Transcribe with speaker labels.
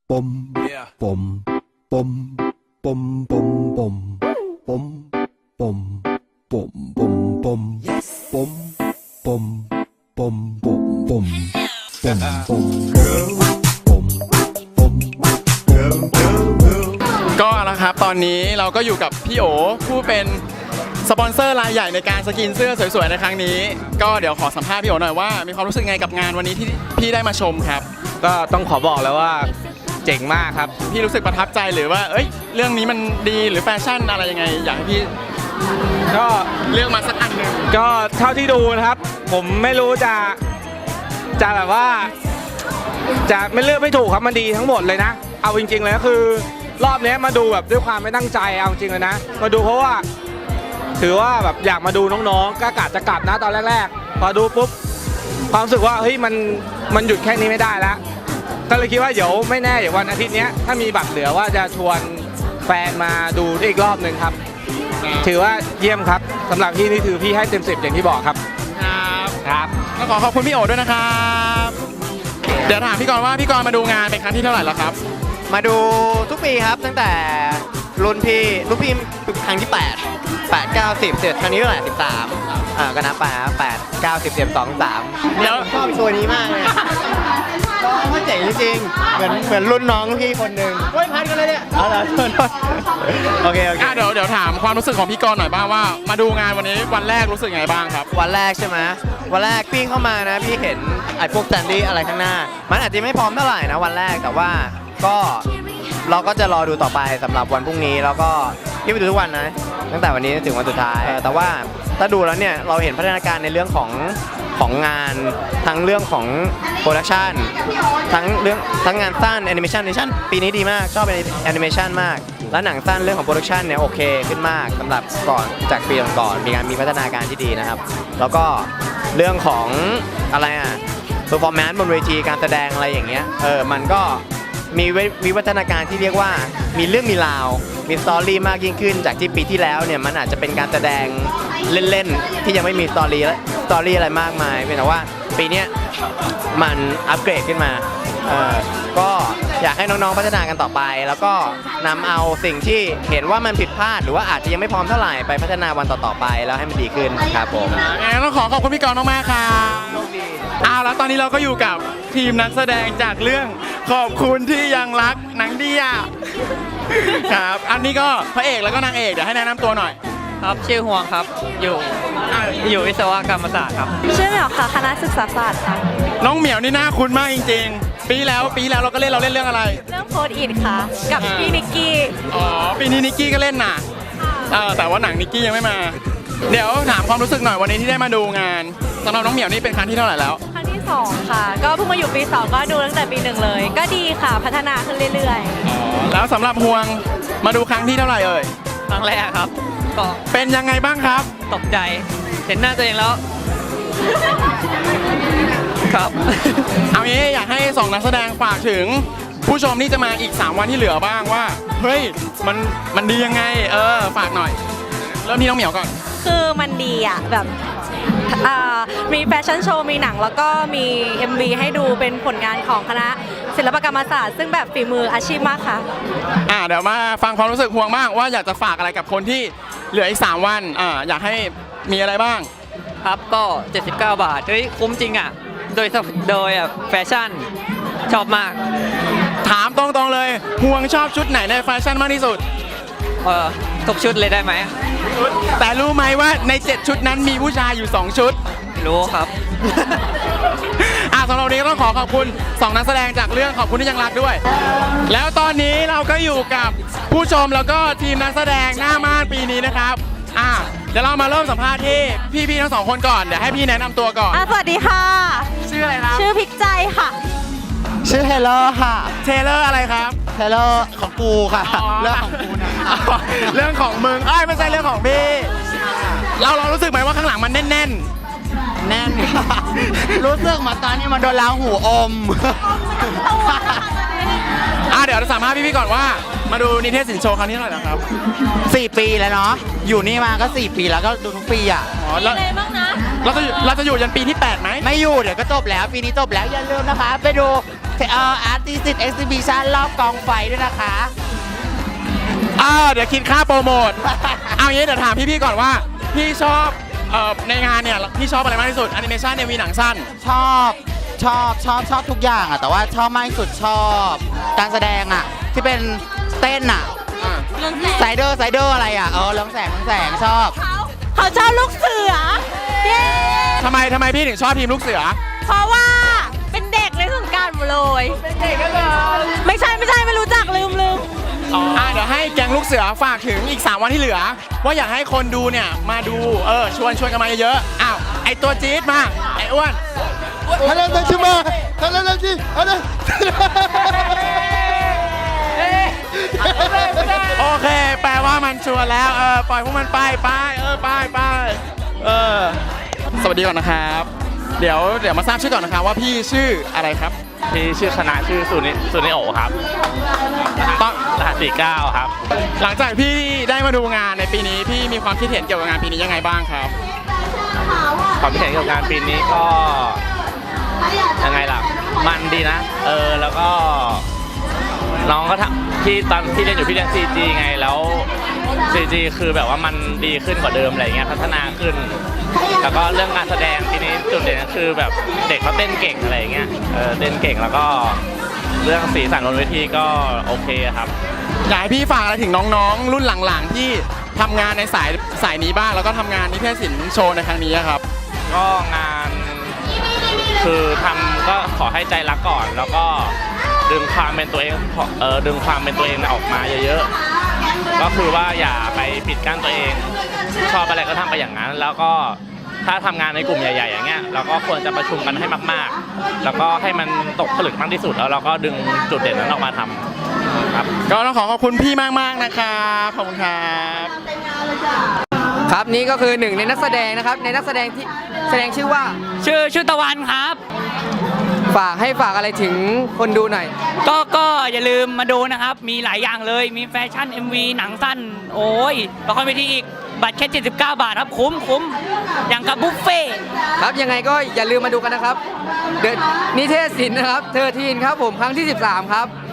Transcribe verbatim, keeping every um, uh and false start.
Speaker 1: ปมปมปมปมปมปมปมปมปมปมปมปมปมปมปมปมปมปม girl ปมปม girl girl girl
Speaker 2: ก็นะครับตอนนี้เราก็อยู่กับพี่โอผู้เป็นสปอนเซอร์รายใหญ่ในการสกินเสื้อสวยๆในครั้งนี้ก็เดี๋ยวขอสัมภาษณ์พี่โอหน่อยว่ามีความรู้สึกไงกับงานวันนี้ที่พี่ได้มาชมครับ
Speaker 3: ก็ต้องขอบอกแล้วว่าเจ๋งมากครับ
Speaker 2: พี่รู้สึกประทับใจหรือว่าเอ้ยเรื่องนี้มันดีหรือแฟชั่นอะไรยังไงอยากให้พี่
Speaker 3: ก็
Speaker 2: เลือกมาสักอันหนึ่ง
Speaker 3: ก็เท่าที่ดูนะครับผมไม่รู้จะจะแบบว่าจะไม่เลือกไม่ถูกครับมันดีทั้งหมดเลยนะเอาจริงๆเลยก็คือรอบนี้มาดูแบบด้วยความไม่ตั้งใจเอาจริงเลยนะมาดูเพราะว่าถือว่าแบบอยากมาดูน้องๆก็กะจะกลับนะตอนแรกๆพอดูปุ๊บความรู้สึกว่าเฮ้ยมันมันหยุดแค่นี้ไม่ได้แล้วก็เลยคิดว่าเดี๋ยวไม่แน่เดี๋ยววันอาทิตย์นี้ถ้ามีบัตรเหลือว่าจะชวนแฟนมาดูอีกรอบหนึ่งครับถือว่าเยี่ยมครับสำหรับพี่นี่ถือพี่ให้เต็มสิบอย่างที่บอกครับ
Speaker 2: ครับ
Speaker 3: ครับ
Speaker 2: ก็ขอขอบคุณพี่โอด้วยนะครับเดี๋ยวถามพี่กรณ์ว่าพี่กรณ์มาดูงานเป็นครั้งที่เท่าไหร่แล้วครับ
Speaker 4: มาดูทุกปีครับตั้งแต่รุ่นพี่รุ่นพี่ครั้งที่แปด แปด เก้า สิบเสร็จครั้งนี้เท่าไหร่สิบสามอ่าก็นับไปครับแปด เก้า สิบ สิบเอ็ด สอง สามเดี๋ยวชอบตัวนี้มากเลยก็เจ๋งจริงๆเหมือนเหมือนรุ่นน้องพี่คนหนึ่งเฮ้ยพันกันเลยเนี่ยเอาละโอเคโอเค
Speaker 2: เดี๋ยวเดี๋ยวถามความรู้สึกของพี่กรณ์หน่อยบ้างว่ามาดูงานวันนี้วันแรกรู้สึกไงบ้างครับ
Speaker 4: วันแรกใช่ไหมวันแรกพี่เข้ามานะพี่เห็นไอ้พวกแซนดี้อะไรข้างหน้ามันอาจจะไม่พร้อมเท่าไหร่นะวันแรกแต่ว่าก็เราก็จะรอดูต่อไปสำหรับวันพรุ่งนี้แล้วก็พี่ไปดูทุกวันนะตั้งแต่วันนี้ถึงวันสุดท้ายแต่ว่าถ้าดูแล้วเนี่ยเราเห็นพัฒนาการในเรื่องของของงานทั้งเรื่องของโปรดักชันทั้งเรื่องทั้งงานสั้นแอนิเมชันแอนิเมชันปีนี้ดีมากชอบแอนิเมชันมากและหนังสั้นเรื่องของโปรดักชันเนี่ยโอเคขึ้นมากสำหรับก่อนจากปีก่อนมีการมีพัฒนาการที่ดีนะครับแล้วก็เรื่องของอะไรอ่ะเพอร์ฟอร์แมนซ์บนเวทีการแสดงอะไรอย่างเงี้ยเออมันก็มีวิวัฒนาการที่เรียกว่ามีเรื่องมีราวมีสตอรี่มากยิ่งขึ้นจากที่ปีที่แล้วเนี่ยมันอาจจะเป็นการแสดงเล่นๆที่ยังไม่มีสตอรี่และสตอรี่อะไรมากมายเพียงแต่ว่าปีนี้มันอัปเกรดขึ้นมาเออก็อยากให้น้องๆพัฒนากันต่อไปแล้วก็นำเอาสิ่งที่เห็นว่ามันผิดพลาดหรือว่าอาจจะยังไม่พร้อมเท่าไหร่ไปพัฒนาวันต่อๆไปแล้วให้มันดีขึ้นครับผม
Speaker 2: งั้นต้องขอขอบคุณพี่กรณ์มากๆครับอ้าวแล้วตอนนี้เราก็อยู่กับทีมนักแสดงจากเรื่องขอบคุณที่ยังรักหนังดีอ่ะครับอันนี้ก็พระเอกแล้วก็นางเอกเดี๋ยวให้แนะนำตัวหน่อย
Speaker 5: ครับชื่อฮวงครับอยู่อยู่วิศวกรรมศาสตร์ครับ
Speaker 6: ชื่อเหมียวค่ะคณะศึกษาศาสตร์ค่ะ
Speaker 2: น้องเหมียวนี่น่าคุ้นมากจริงๆปีแล้วปีแล้วเราก็เล่นเราเล่นเรื่องอะไร
Speaker 6: เรื่องโพสอิทค่ะกับพี่นิกกี้
Speaker 2: อ๋อปีนี้นิกกี้ก็เล่นน่ะแต่ว่าหนังนิกกี้ยังไม่มาเดี๋ยวถามความรู้สึกหน่อยวันนี้ที่ได้มาดูงานสำหรับน้องเหมียวนี่เป็นครั้งที่เท่าไหร่แล้ว
Speaker 6: ครั้งที่สองค่ะก็เพิ่งมาอยู่ปีสองก็ดูตั้งแต่ปีหนึ่งเลยก็ดีค่ะพัฒนาขึ้นเรื่อย
Speaker 2: ๆแล้วสำหรับฮวงมาดูครั้งที่เท่าไหร่เอ่ย
Speaker 5: ครั้งแรกครับ
Speaker 2: ก็เป็นยังไงบ้างครับ
Speaker 5: ตกใจเห็นหน้าตัวเองแล้วครับ
Speaker 2: เอางี้อยากให้สองนักแสดงฝากถึงผู้ชมที่จะมาอีกสามวันที่เหลือบ้างว่าเฮ้ยมันมันดียังไงเออฝากหน่อยเริ่มที่น้องเหมียวก่อน
Speaker 6: คือมันดีอ่ะแบบมีแฟชั่นโชว์มีหนังแล้วก็มี เอ็ม วี ให้ดูเป็นผลงานของคณะศิลปกรรมศาสตร์ซึ่งแบบฝีมืออาชีพมากค่ะ
Speaker 2: อ่าเดี๋ยวมาฟังความรู้สึกฮวงบ้างว่าอยากจะฝากอะไรกับคนที่เหลืออีกสามวันอ่าอยากให้มีอะไรบ้าง
Speaker 5: ครับก็เจ็ดสิบเก้าบาทเฮ้ยคุ้มจริงอ่ะโดยโดยแฟชั่นชอบมาก
Speaker 2: ถามตรงๆเลยฮวงชอบชุดไหนในแฟชั่นมากที่สุด
Speaker 5: เออทุกชุดเลยได้ไหม
Speaker 2: แต่รู้ไหมว่าในเจ็ดชุดนั้นมีผู้ชายอยู่สองชุด
Speaker 5: รู้ครับ
Speaker 2: อ่ะสำหรับวันนี้ก็ต้องขอขอบคุณสองนักแสดงจากเรื่องขอบคุณที่ยังรักด้วยแล้วตอนนี้เราก็อยู่กับผู้ชมแล้วก็ทีมนักแสดงหน้าม่านปีนี้นะครับอ่ะเดี๋ยวเรามาเริ่มสัมภาษณ์ที่พี่ๆทั้งสองคนก่อนเดี๋ยวให้พี่แนะนำตัวก่อน
Speaker 6: อ่ะสวัสดีค่ะ
Speaker 2: ชื่ออะไรครับ
Speaker 6: ชื่อพิกใจค่ะ
Speaker 4: ชื่อเทเลอร์ค่ะ
Speaker 2: เทเลอร์อะไรครับ
Speaker 4: เทเลอร์ของกูค่ะเรื่องของกูนะ
Speaker 2: เรื่องของมึงเอ้ยไม่ใช่เรื่องของพี่เราเรารู้สึกไหมว่าข้างหลังมันแน่นแน่น
Speaker 4: แน่นรู้สึกเหมือนตอนนี้มันโดนล้างหูอม
Speaker 2: อ่ะเดี๋ยวเราสัมภาษณ์พี่ๆก่อนว่ามาดูนิเทศศิลป์โชว์ครั้งนี้เท่าไหร่แล้วครับ
Speaker 4: สี่ปีแล้วเนาะอยู่นี่มาก็สี่ปีแล้วก็ดูทุกปีอ่ะ
Speaker 6: อ๋อแล้วอะไรบ้างนะ
Speaker 2: เราจะเราจะอยู่ยันปีที่แปดไหม
Speaker 7: ไม่อยู่เดี๋ยวก็จบแล้ว ปีนี้จบแล้ว อย่าลืมนะคะ ไปดูเอ่ออาร์ติสต์เอ็กซิบิชันรอบกองไฟด้วยนะคะ
Speaker 2: อ่าเดี๋ยวคิดค่าโปรโมท เอางี้เดี๋ยวถามพี่ๆก่อนว่าพี่ชอบเอ่อในงานเนี่ยพี่ชอบอะไรมากที่สุดแอนิเมชันเนี่ยมีหนังสั้น
Speaker 7: ชอบชอบชอบชอบทุกอย่างอะแต่ว่าชอบมากที่สุดชอบการแสดงอะที่เป็นเต้นอะไซเดอร์ไซเดอร์อะไรอะเออเรืองแสงเรืองแสงชอบ
Speaker 6: เขาชอบลูกเสือ เย้
Speaker 2: ทำไมทำไมพี่ถึงชอบทีมลูกเสือ
Speaker 6: เพราะว่าเป็นเด็กในสงกรารหมดเลยเป็นเด็กก็เลยไม่ใช่ไม่ใช่ไม่รู้จักลืมลืม
Speaker 2: อ่าเดี๋ยวให้แก๊งลูกเสือฝากถึงอีก สาม วันที่เหลือ ว่าอยากให้คนดูเนี่ยมาดูเออชวนชวนกันมาเยอะๆอ้าวไอตัวจี๊ดมาไออ้วน
Speaker 1: ฮัลโหลชิมาฮัลโหลชิฮัลโหล
Speaker 2: โอเค แปลว่ามันชวนแล้วเออปล่อยพวกมันไปไปเออไปไปเออสวัสดีก่อนนะครับ เดี๋ยวเดี๋ยวมาทราบชื่อก่อนนะครับว่าพี่ชื่ออะไรครับ
Speaker 3: ที่ชื่อคณะชื่อสุนิสุนิโอครับ
Speaker 2: ต้อง
Speaker 3: รหัสสี่เก้าครับ
Speaker 2: หลังจากพี่ได้มาดูงานในปีนี้พี่มีความคิดเห็นเกี่ยวกับงานปีนี้ยังไงบ้างครับ
Speaker 3: ความคิดเห็นเกี่ยวกับงานปีนี้ก็ยังไงล่ะ มันดีนะ เออ แล้วก็น้องก็ทำที่ตอนที่เรียนอยู่พี่เรียน ซี จี ไง แล้ว ซี จี คือแบบว่ามันดีขึ้นกว่าเดิมอะไรเงี้ย พัฒนาขึ้น แล้วก็เรื่องการแสดงปีนี้จุดเด่นก็คือแบบเด็กเขาเต้นเก่งอะไรเงี้ย เออ เต้นเก่งแล้วก็เรื่องสีสันบนเวทีก็โอเคครับ
Speaker 2: อยากให้พี่ฝากอะไรถึงน้องๆ รุ่นหลังๆ ที่ทำงานในสายสายนี้บ้างแล้วก็ทำงานนิเทศศิลป์โชว์ในครั้งนี้ครับ
Speaker 3: ก็งานคือทำก็ขอให้ใจรักก่อน แล้วก็ดึงความเป็นตัวเองเออดึงความเป็นตัวเองออกมาเยอะๆก็คือว่าอย่าไปปิดกั้นตัวเอง ชอบอะไรก็ทำไปอย่างนั้น แล้วก็ถ้าทำงานในกลุ่มใหญ่ๆอย่างเงี้ยเราก็ควรจะประชุมกันให้มากๆ แล้วก็ให้มันตกผลึกมากที่สุดแล้วเราก็ดึงจุดเด่นนั้นออกมาทำครับ
Speaker 2: ก็ต้องขอขอบคุณพี่มากๆนะครับขอบคุณครับ
Speaker 8: ครับนี่ก็คือหนึ่งในนักแสดงนะครับในนักแสดงที่แสดงชื่อว่า
Speaker 5: ชื่อชื่อตะวันครับ
Speaker 8: ฝากให้ฝากอะไรถึงคนดูหน่อย
Speaker 5: ก็ก็อย่าลืมมาดูนะครับ มีหลายอย่างเลย มีแฟชั่น เอ็ม วี หนังสั้น โอ้ยละครเวทีอีก บัตรแค่ เจ็ดสิบเก้า บาทครับ คุ้มคุ้มอย่างกับบุฟเฟ่ต์
Speaker 8: ครับยังไงก็อย่าลืมมาดูกันนะครับเดอะนิเทศศิลป์นะครับเทอร์ทีนครับผมครั้งที่สิบสามครับ